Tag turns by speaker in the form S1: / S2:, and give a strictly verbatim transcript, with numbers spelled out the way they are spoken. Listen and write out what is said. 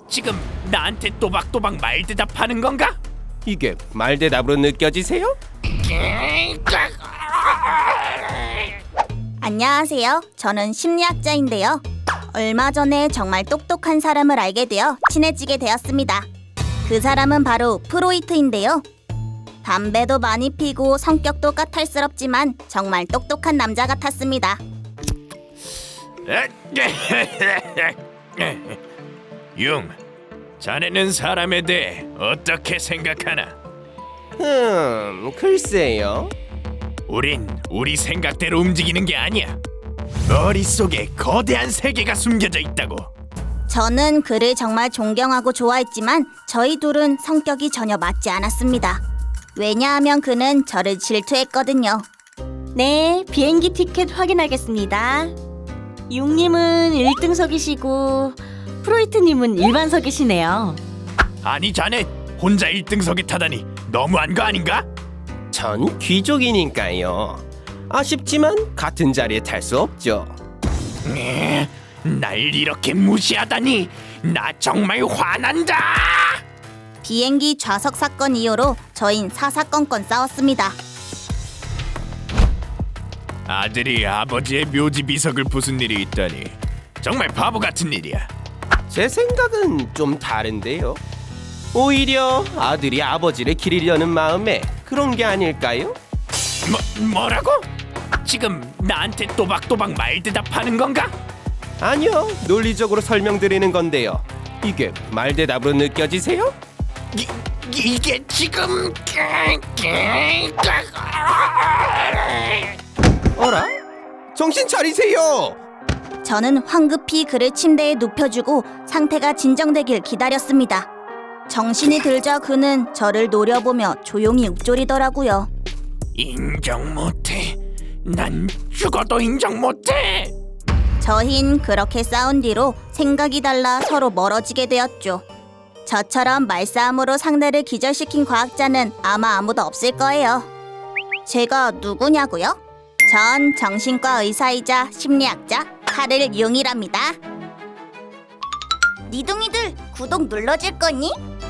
S1: 지금 나한테 또박또박 말대답하는 건가?
S2: 이게 말대답으로 느껴지세요?
S3: 안녕하세요. 저는 심리학자인데요. 얼마 전에 정말 똑똑한 사람을 알게 되어 친해지게 되었습니다. 그 사람은 바로 프로이트인데요. 담배도 많이 피고 성격도 까탈스럽지만 정말 똑똑한 남자 같았습니다.
S1: 융, 자네는 사람에 대해 어떻게 생각하나?
S2: 음, 글쎄요.
S1: 우린 우리 생각대로 움직이는 게 아니야. 머릿속에 거대한 세계가 숨겨져 있다고.
S3: 저는 그를 정말 존경하고 좋아했지만 저희 둘은 성격이 전혀 맞지 않았습니다. 왜냐하면 그는 저를 질투했거든요.
S4: 네, 비행기 티켓 확인하겠습니다. 융님은 일 등석이시고 프로이트님은 일반석이시네요.
S1: 아니 자네 혼자 일 등석에 타다니 너무한 거 아닌가?
S2: 전 귀족이니까요. 아쉽지만 같은 자리에 탈 수 없죠.
S1: 에, 날 이렇게 무시하다니 나 정말 화난다.
S3: 비행기 좌석 사건 이후로 저흰 사사건건 싸웠습니다.
S1: 아들이 아버지의 묘지 비석을 부순 일이 있다니 정말 바보 같은 일이야.
S2: 제 생각은 좀 다른데요. 오히려 아들이 아버지를 기리려는 마음에 그런 게 아닐까요?
S1: 뭐, 뭐라고? 지금 나한테 또박또박 말대답하는 건가?
S2: 아니요, 논리적으로 설명드리는 건데요. 이게 말대답으로 느껴지세요?
S1: 이, 이게 지금
S2: 어라? 정신 차리세요!
S3: 저는 황급히 그를 침대에 눕혀주고 상태가 진정되길 기다렸습니다. 정신이 들자 그는 저를 노려보며 조용히 읊조리더라고요.
S1: 인정 못해. 난 죽어도 인정 못해.
S3: 저흰 그렇게 싸운 뒤로 생각이 달라 서로 멀어지게 되었죠. 저처럼 말싸움으로 상대를 기절시킨 과학자는 아마 아무도 없을 거예요. 제가 누구냐고요? 전 정신과 의사이자 심리학자 카를 융이랍니다. 니둥이들 구독 눌러줄 거니?